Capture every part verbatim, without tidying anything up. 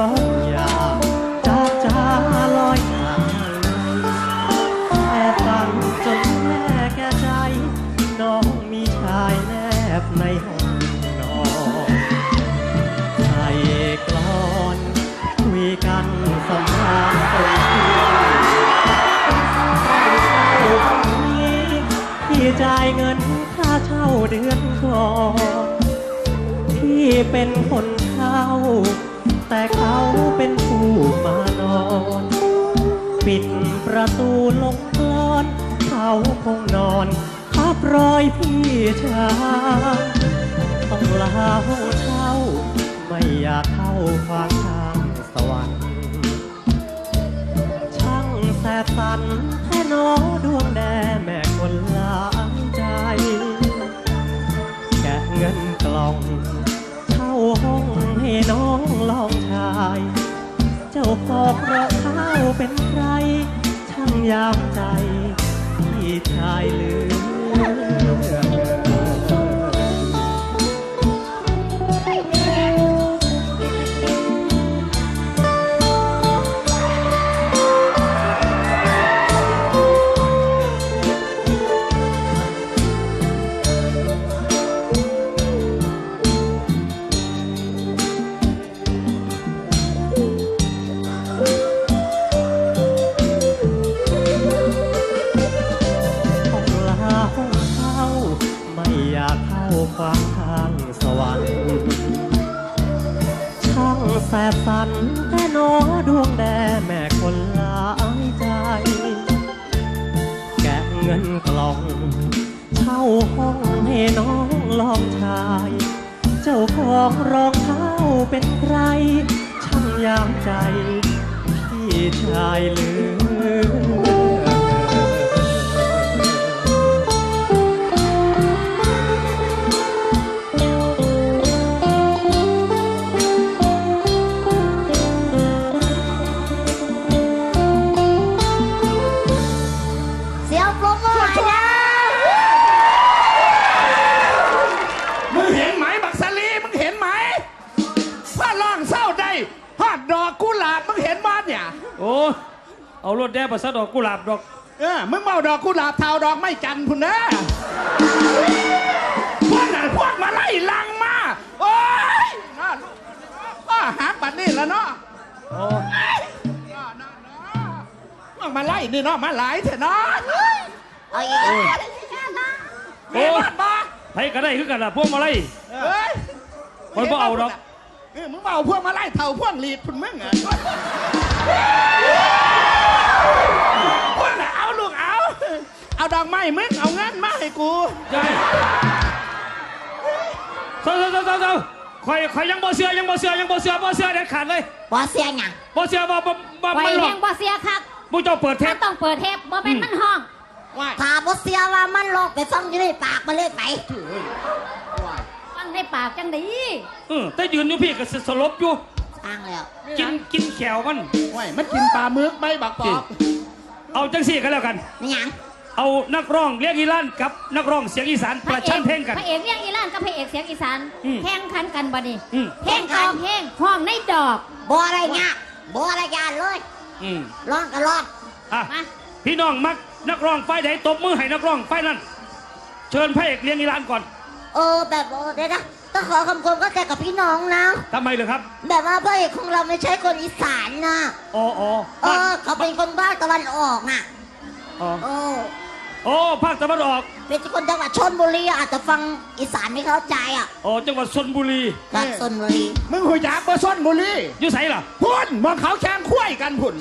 น้องอย่าจ้าจ้าลอยหาแอบฝันจนแม่แก่ใจน้องมีชายแนบในห้องนอนใส่กลอนคุยกันสำราญตรงนี้พี่จ่ายเงินค่าเช่าเดือนก่อนพี่เป็นคนเช่าแต่เขาเป็นผู้มานอนปิดประตูลงกลอนเขาคงนอนทับรอยพี่ชายต้องลาห้องเช่าไม่อยากเข้าขวางทางสวรรค์ช่างแสบสันแค่น้อดวงแดแม่คนหลายใจแกะเงินกล่องเช่าห้องให้น้องลองชายเจ้าของรองเท้าเป็นใครช่างยามใจพี่ชายลืมขวางทางสวรรค์ช่างแสบสันแต่น้อดวงแดแม่คนหลายใจแกะเงินกล่องเช่าห้องให้น้องลองชายเจ้าของรองเท้าเป็นใครช่างยามใจพี่ชายลืมโอ้เอารถแดงมาซะดอกกุหลาบดอกเออมึงเมาดอกกุหลาบเทาดอกไม่จันพุ่นนะพวกนั้นพวกมาไล่ลังมาโอ้ยน่าลูกก็หาปัดนี่แล้วเนาะโอ้พวกมาไล่นี่เนาะมาหลายเถอะเนาะโอ้ยโอ้ใครก็ได้คือกันล่ะพวกมาไล่เฮ้ยคนบ่เอาดอกเออมึงเมาพวกมาไล่เท่าพวกลีดพุ่นมึงอ่ะพวกน่ะเอาลูกเอาเอาดอกไม้มึงเอาเงินมาให้กูใช่เศร้าเศร้าเศร้าเศร้าคอยคอยยังบ่เสือยังบ่เสือยังบ่เสือบ่เสือเด็ดขาดเลยบ่เสือหยังบ่เสือบ่บ่บ่ไม่หลอกบ่เสือครับผู้เจ้าเปิดเทปต้องเปิดเทปบ่เป็นมันห้องถ้าบ่เสือว่ามันหลอกไปฟังอยู่ในปากมันเลยไปฟังในปากจังดีเออแต่ยืนอยู่พี่ก็สลบอยู่อ้างแล้วกินกินแขวมันว้ายมันกินปลาหมึกไม่บักปอกเอาจังสี่กันแล้วกันนี่ยังเอานักร้องเรียกอีลานกับนักร้องเสียงอีสานประชันเพลงกันพระเอกเรียกอีลานกับพระเอกเสียงอีสานแข่งขันกันบ่นี่เพลงต่อเพลงห้องในดอกบ่อะไรเงี้ยบ่อะไรยานเลยร้องกันร้องอ่ะพี่น้องมักนักร้องไฟไหนตบมือให้นักร้องไฟนั้นเชิญพระเอกเรียกอีลานก่อนเออแบบเดี๋ยวนะต้องขอคำคมก็แต่กับพี่น้องนะทำไมเลยครับแบบว่าพระเอกของเราไม่ใช่คนอีสานนะอ๋ออ๋อเออเขาเป็นคนภาคตะวันออกน่ะอ๋อโอ้ภาคตะวันออกเป็นคนจังหวัดชลบุรีอาจจะฟังอีสานไม่เข้าใจอ่ะอ๋อจังหวัดชลบุรีจังหวัดชลบุรีมึงหูยาเบอร์ชลบุรีอยู่ไสล่ะพุ่นมองเขาแข่งคุ้ยกันพุ่น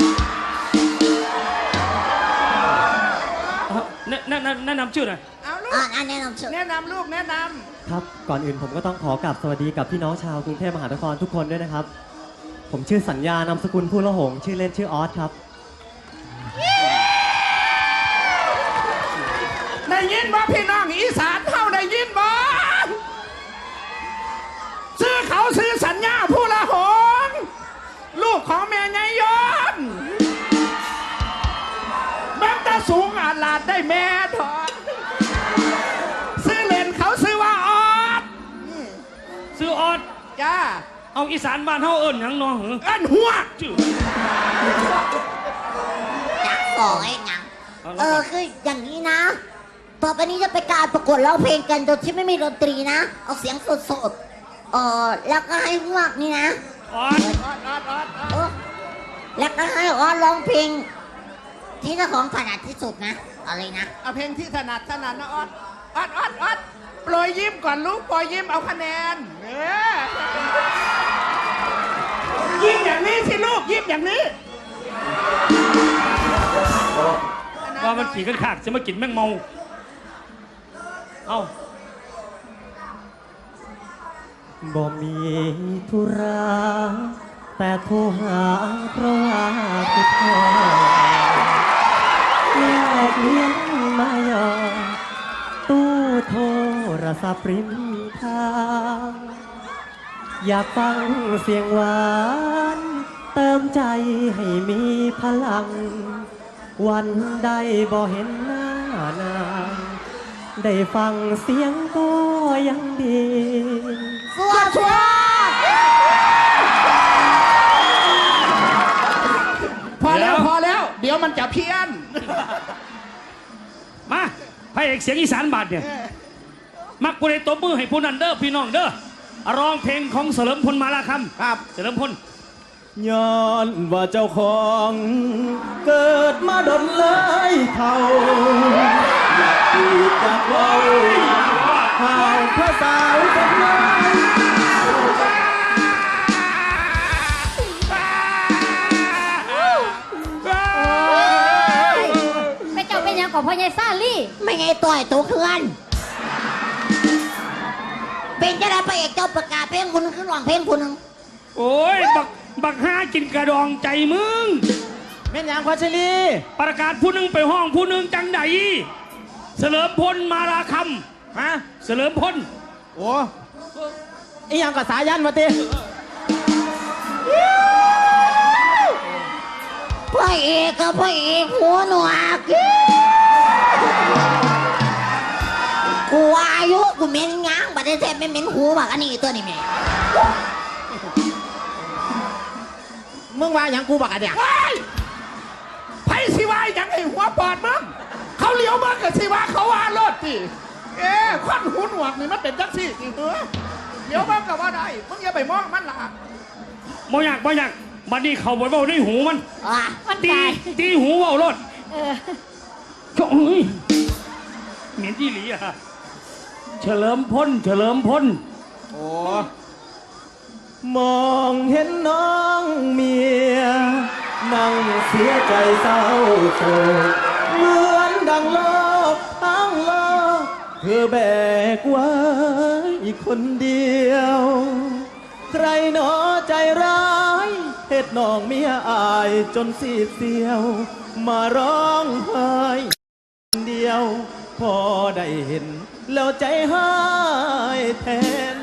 แนะแนะแนะนำชื่อหน่อยเอาลูกแนะนำชื่อแนะนำลูกแนะนำครับก่อนอื่นผมก็ต้องขอกราบสวัสดีกับพี่น้องชาวกรุงเทพมหานครทุกคนด้วยนะครับผมชื่อสัญญานามสกุลผู้ละหงชื่อเล่นชื่อออสครับได้ยินบ่พี่น้องอีสานเท่าได้ยินบ่ซื้อเขาซื้อสัญญาผู้ละหงลูกของแม่ไงยนแม่ตาสูงอาลาดได้แม่ถอดซื้อเล่นเขาซื้อว่าออดซื้อออดจ้าเอาอีสานบ้านเฮาเอิ้นหยังน้องเหรอเอิ้นหัวจื้อจักบอกไอ้หยังเออคืออย่างนี้นะ ต่อไปนี้จะไปการประกวดร้องเพลงกันโดยที่ไม่มีดนตรีนะ เอาเสียงสดๆเออแล้วก็ให้พวกนี่นะอ่อนออดออดออดออดเออแล้วก็ให้อ้อนร้องเพลง ที่เจ้าของถนัดที่สุดนะอะไรนะเอาเพลงที่ถนัดถนัดนะออดออดออดออดโปรยยิ้มก่อนลูกโปรยยิ้มเอาคะแนนเนี่ยยิ้มอย่างนี้สิลูกยิ้มอย่างนี้ว่ามันขี่กันขากจะมากินแมงเมาเอ้าบ่มีธุระแต่โทรหาเพราะว่าคิดแท้แลกเลี้ยงมายอตู้โทรศัพท์ริมทางอยากฟังเสียงหวานเติมใจให้มีพลัง วันใดบ่เห็นหน้านางได้ฟังเสียงก็ยังดีสวัสดีพอแล้วพอแล้ว เดี๋ยวมันจะเพี้ยนมาพระเอกเสียงอีสานบาดเนี่ยมักผู้ใดตบมือให้ผู้นั้นเด้อพี่น้องเด้อร้องเพลงของเฉลิมพลมาลาคำครับเฉลิมพลย้อนว่าเจ้าของเกิดมาดนเลยเท่าอยากพูดจากเว้าข่าวพระสาวคนนั้นไปเจ้าเป็นหยังของพ่อใหญ่ซาลี่ไม่ไงต่อยตัวเคลื่อนเป็นจะได้พระเอกเจ้าประกาศเพลงคุณขึ้นร้องเพลงคุณโอ้ยบักบักห้ากินกระดองใจมึงแม่นยังพัชรีประกาศผู้หนึงไปห้องผู้หนึงจังใดเฉลิมพลมาลาคฮะำเฉลิมพลโอ้อีหยังกับสายันมาติพระเอกกับพระเอกหัวหนวกกูอายุกูเหม็นง้างบัดนี้แทบไม่เหม็นหูบักอันนี้ตัวนี้แม่มึงว่าหยังกูบักอะเดียว้ายไพ่สิวายยังไงหัวปอดมึงเขาเลี้ยวมึงกับสิวาเขาว่ารถสิเอ๊ะควันหูหนวกนี่มันเป็นจังสี่สิเหรอเลี้ยวมึงกับว่าได้มึงอย่าไปมองมันล่ะบ่อยากบ่อยากบัดนี้เขาบ่เว้าในหูมันอ่ะมันตีตายตีหูเว้ารถเออโอ้ยเหม็นที่หลีอะเฉลิมพลเฉลิมพลโอ้มองเห็นน้องเมีย นั่งเสียใจเศร้าโศกเหมือนดังโลกทั้งโลกเธอแบกไว้อีกคนเดียว ใครหนอใจร้ายเหตุน้องเมียอายจนสีดเสียว มาร้องไห้เดียว พอได้เห็น แล้วใจหายแทน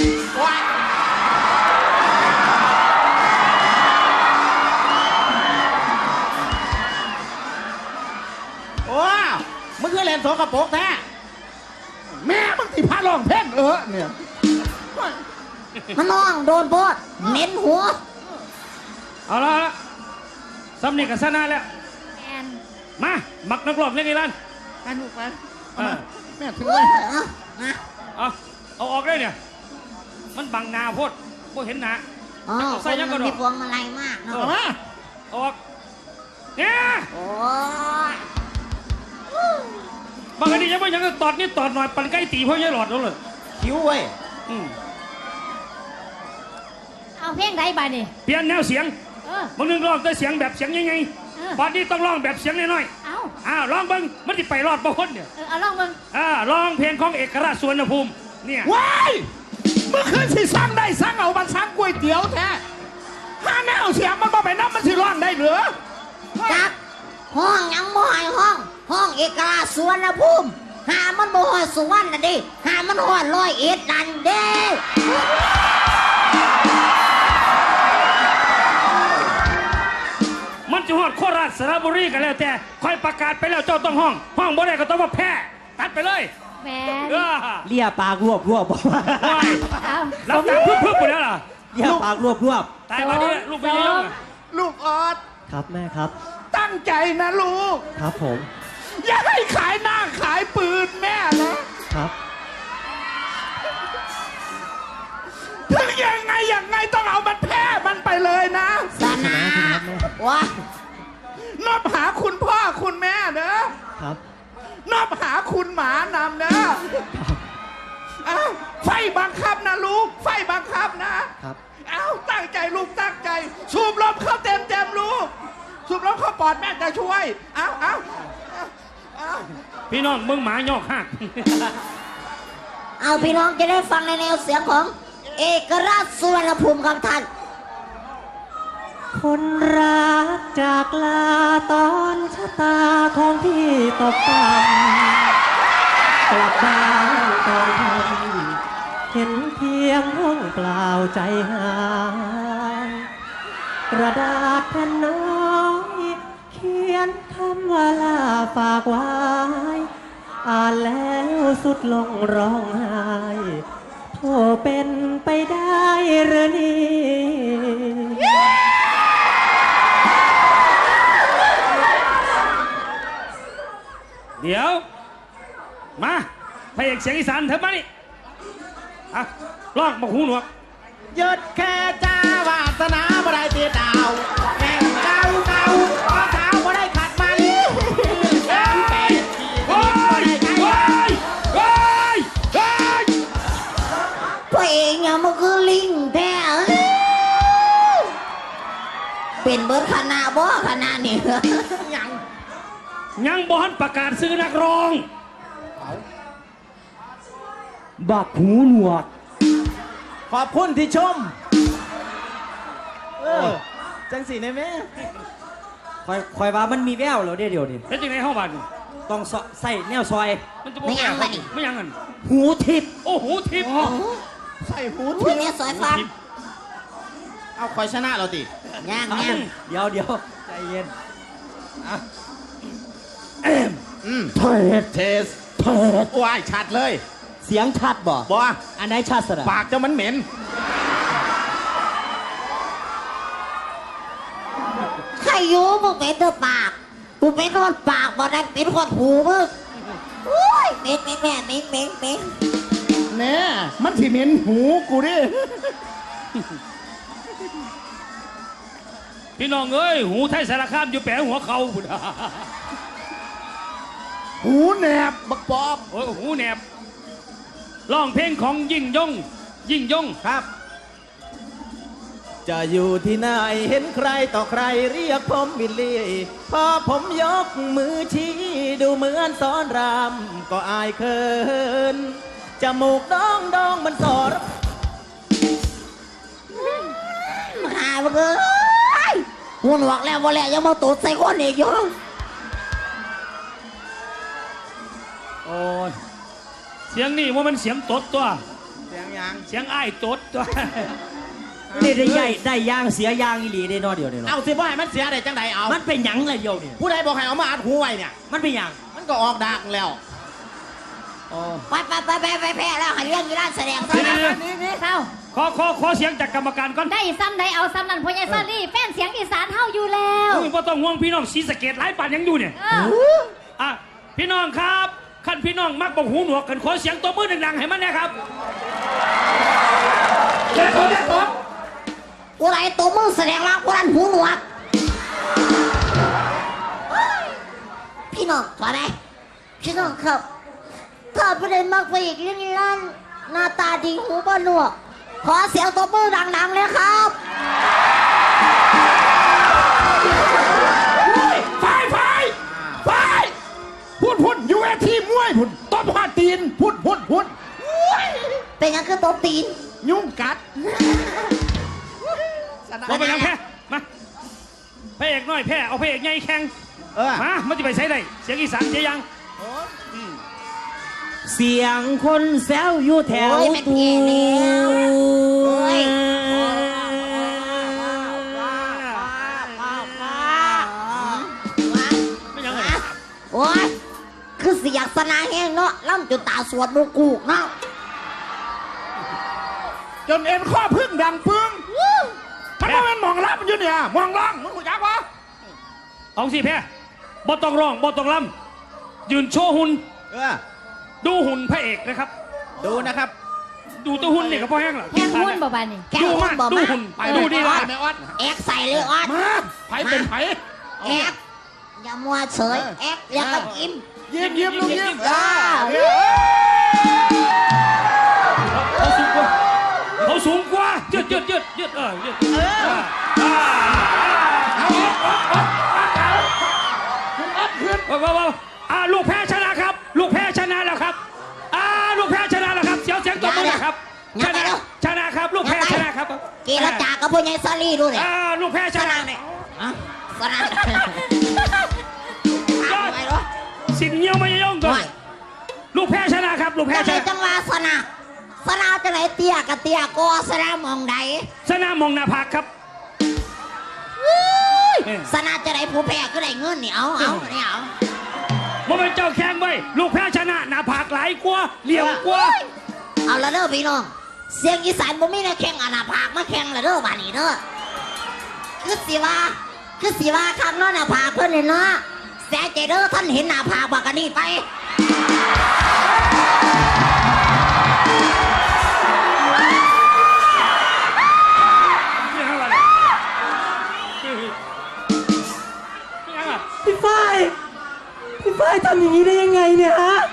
โอ้มึงคือเล่นโสกระปรกแท้แม่มึงที่พาลองเพลงเออเนี่ยมันน้องโดนโพดเหม็นหัวเอาละเอาละสำเนียงกับชนะแล้วแอนมามักนักร้องเล่นไงล่ะไปลูกไปเออแม่ถือเอไว้อนะเอาเอาออกได้เนี่ย มันบังหนาโพดบ่เห็นหนาอ๋อเอาใส่ยังกระดอกมีพวงมาลัยมากเนาะเอามาเอาออกเนี่ยโอ้ยบางทียังไม่ยังก็ตอดนี่ตอดหน่อยปั่นใกล้ตีเพราะยังหลอดแล้วเลยคิ้วเว้ยอืมเอาเพลงใดบาดนี่เปลี่ยนแนวเสียงเออบางนึงร้องแต่เสียงแบบเสียงยังไงเออบัดนี้ต้องร้องแบบเสียงน้อยเอาๆอ้าวร้องเบิ้งมันจะไปรอดบางคนเนี่ยเออเอาลองเบิ่งอ่าร้องเพลงของเอกราชสวนภูมิเนี่ยว้ายเมื่อคืนสิสั่งได้สั่งเอามันสั่งก๋วยเตี๋ยวแท้ห้าแนวเสียงมันบ่ไปน้ำมันสิร้องได้เหรือจักห้องยังบ่ให้ห้อง ห้องเอกราชสวนภูมิหามันบ่ฮอดสุวรรณน่ะดิหามันฮอดร้อยเอ็ดนั่นเด้มันจะฮอดโคราชสระบุรีกันแล้วแต่ค่อยประกาศไปแล้วเจ้าต้องห้อง ห้องบ่ได้ก็ต้องว่าแพ้ตัดไปเลยแมนเออเลียปากรวบรวบบอกว่าว้ายเอารับจากพึบๆไปแล้วล่ะเดี๋ยวปากรวบรวบตายมาดิลูกไปยังอะลูกออดครับแม่ครับตั้งใจนะลูกครับผมอย่าให้ขายหน้าขายปืนแม่นะครับ ถึงยังไงยังไงต้องเอามันแพ้มันไปเลยนะสนาว้านอบหาคุณพ่อคุณแม่เนอะครับนอบหาคุณหมานำเนอะอ้าวไฟบังคับนะลูก ไฟบังคับนะครับ อ้าวตั้งใจลูกตั้งใจ สูบลมเข้าเต็มเต็มๆลูก สูบลมเข้าปอดแม่จะช่วยอ้าวอ้าวอ้าวอ้าวพี่น้องมึงหมายอกหักเอาพี่น้องจะได้ฟังในแนวเสียงของ เอกราชสุวรรณภูมิครับท่านคนรักจากลาตอนชะตาของพี่ตกต่ำกลับบ้านตอนทำเห็นเพียงห้องเปล่าใจหายกระดาษแผ่นน้อยเขียนคำว่าลาฝากไว้ อ่านแล้วสุดลงร้องไห้โธ่เป็นไปได้หรือนี่เดี๋ยว มาพระเอกเสียงอีสานเถอะมานี่อ่ะลองบอกหูหนวกหยุดแค่จ้าวาสนาบ่ได้ตีดาวแข่งเก่าเก่าขอขาวบ่ได้ขัดมันแข่งเป็ดขี่โอ้ยโอ้ยโอ้ยโอ้ยพระเอกเนี่ยมันคือลิงแท้เอ้ยเป็นเบิร์ดคณะบ่คณะนี่ยังยังบอนประกาศซื้อนักร้องบักหูหนวกขอบคุณที่ชม เออ จังสีในแม่คอยคอยว่ามันมีแววแล้วเดี๋ยวเดี๋ยวนี้แล้วจังไงห้องบ้านต้องสใส่แนวซอยมันจะไม่ยังไงไงไม่ยังกันหูทิพย์โอ้โหทิพย์ใส่หูอุ้ยเนี่ยสอยฟังเอาคอยชนะเราติย่างย่างเดี๋ยวเดี๋ยวใจเย็นอืมเถิดเทสเทสว้ายชัดเลยเสียงชัดบ่บ่อันไหนชัดสุดอะปากเจ้ามันเหม็นใครอยู่มึงเป็นเธอปากกูเป็นคนปากบ่ได้เป็นคนหูมึงอุ้ยเหม็นเหม็นแม่เหม็นเหม็นเหม็นแน่มันสิเหม็นหูกูดิพี่น้องเอ้ยหูไทยสารคามอยู่แปะหัวเขาพุ่นหูแหนบบักปอบโอ้ยหูแหนบร้องเพลงของยิ่งยง ยิ่งยงครับ จะอยู่ที่ไหนเห็นใครต่อใครเรียกผมวิลลี่พอผมยกมือชี้ดูเหมือนสอนรามก็อายเคินจมูกดองดองมันสอรมาหามึงเอ้ยหัวหนวกแล้วบ่แล้วยังมาตูดใส่คนอีกอยู่โอ้ยเสียงนี่ว่ามันเสียงตดตัวเสียงยังเสียงอ้ายตดตัวนี่ได้ใหญ่ได้ย่างเสียย่างอีหลีได้นอเดียวเนี่ยเอาสิบ่ให้มันเสียได้จังใดเอามันเป็นหยังเลยเดียวเนี่ยผู้ใดบอกให้เอามาอัดหูไว้เนี่ยมันเป็นหยังมันก็ออกดักแล้วไปไปไปไปไปแพ้แล้วให้เรื่องกีฬาแสดงซะเดี๋ยวนะเดี๋ยวนี่นี่เศร้าขอขอขอเสียงจากกรรมการก่อนได้ซ้ำได้เอาซ้ำนั่นพ่อใหญ่ซาลี่แฟนเสียงอีสานเฮาอยู่แล้วอุ้ยพ่ต้องห่วงพี่น้องศรีสะเกดหลายป่านยังอยู่เนี่ยเอออ่ะพี่น้องครับขั้นพี่น้องมักบอกหูหนวกกันขอเสียงตัวมือดังๆให้มันนะครับเด็ดเด็ดผมกูไรตัวมึงแสดงรักกูรันหูหนวกพี่น้องขอได้พี่น้องครับถ้าไม่ได้มักไปอีกเรื่องนี้ลั่นหน้าตาดีหูบ่หนวก ขอเสียงตัวมือดังๆเลยครับไฟไฟไฟพูดพูดยูเอทีมวยพูดต้นพาตีนพูดพูดพูดเป็นยังคือตัวตีนยุ่งกัดบอกไปยังแพ้มาพระเอกน้อยแพ้เอาพระเอกใหญ่แข่งเออมามันจะไปใช้ได้เสียงอีสานเสียยังเสียงคนแซวอยู่แถวโอ้ยแม่เพี้ยแล้วโอ้ยไม่ยังไงโอ้ยคือเสียงสนาแห้งเนาะล่ำจนตาสวดมูกูกเนาะจนเอ็นข้อพึ่งดังปึ้งออยู่เนี่ยมองล่องมึงหูจักวะเอาสิแพ้บ่ต้องร้องบ่ต้องลำยืนโชว์หุ่นเออดูหุ่นพระเอกนะครับดูนะครับดูตัวหุ่นนี่ก็พอแห้งละแห้งหุ้นบ่บานนี่แค่ดูหุ้มานบ่ดูมาหุ่นไปดูดีว่าว่าไม่ออดแอกใส่เลยออดมาไผเป็นไผแอกอย่ามัวเฉยแอกแล้วก็ยิ้มยิ้มยิ้มลูกยิ้มอ่าเขาสูงกว่าเขาสูงกว่ายืดยืดยืดยืดเออยืดเอออ่าเอาออกออกออกขึ้นออกขึ้นว้าวว้าวอ่าลูกแพ้ชนะครับ ลูกแพ้ชนะแล้วครับอ่าลูกแพ้ชนะแล้วครับเสียวเสียงตบมือนะครับชนะชนะครับลูกแพ้ชนะครับกีรจากกับพวกยายซาลี่ดูเลยอ่าลูกแพ้ชสนะนามเนี่ยอ่ะสนามยอดทำไมวะสินเงี้ยวไม่ย่องก่อไม่นลูกแพ้ชนะครับ ลูกแพ้จังชไหนนะจังหวะสนามสนามจังไหนเตี้ยกับเตี้ยก็สนามมองใดชนะมองหน้าผากครับสนามจังไหนผู้แพ้ก็ได้เงินนี่เอาเอาเนี่ยเอาเมื่อเป็นเจ้าแข่งไว้ลูกแพ้ชนะหน้าผากหลายกว่าเหลี่ยมกว่าเอาละเด้อพี่น้องเสียงอีสานบ่มีนะแข่งอาณาภาคมาแข่งละเด้อบาดนี้เด้อคือสิว่าคือสิว่าคำเนาะหน้าผากเพิ่นนี่เนาะแซ่ใจเด้อท่านเห็นหน้าผากบักอันนี้ไปนี่ฮะอะไรนี่ฮะพี่ฝ้ายพี่ฝ้ายทำอย่างนี้ได้ยังไงเนี่ยฮะ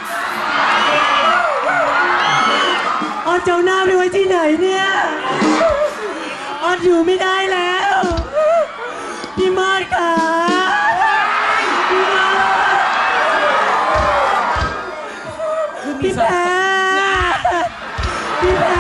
ออดเจ้าหน้าไปไว้ที่ไหนเนี่ยออดอยู่ไม่ได้แล้ว พี่มอดค่ะพี่มอดพี่แพรพี่แพร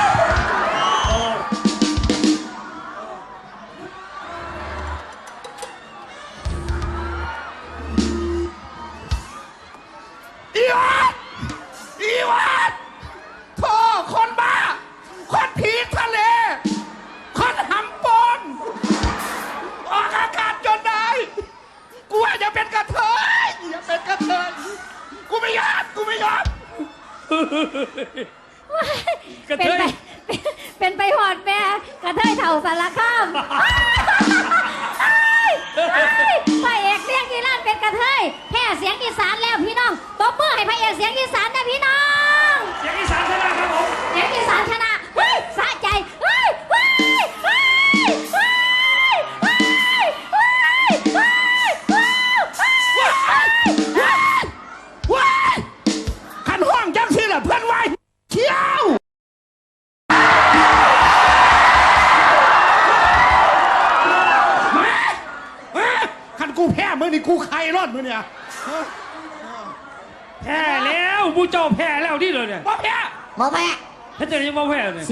อีวัดอีวัดโธ่คนบ้า คนผีทะเล คนหำปนออกอากาศจนได้ กูว่าจะเป็นกระเทยอย่าเป็นกระเทยกูไม่ยอมกูไม่ยอมกระเป็เทนยไปเป็นไปหอดแม่กระเทยเถ่าสารคามพระเอกเสียงอีสานเป็นกระเทยแค่เสียงอีสานแล้วพี่น้องตบมือให้พระเอกเสียงอีสานนะพี่น้องเสียงอีสานชนะครับผมเสียงอีสานชนะเฮ้ยสะใจเฮ้ยเฮ้ยเฮ้ยเฮ้ยเฮ้ยเฮ้ยเฮ้ยเฮ้ยว้ายขันห้องจังสิล่ะเพื่อนไว้เชี่ยวมามาขันกูแพ้มือนี่กูใครรอดมือเนี่ยแพ้แล้วผู้เจ้าแพ้แล้วที่เลยเนี่ยบ่แพ้หมอแพ้ถ้าเจะยังบ่แพ้เลย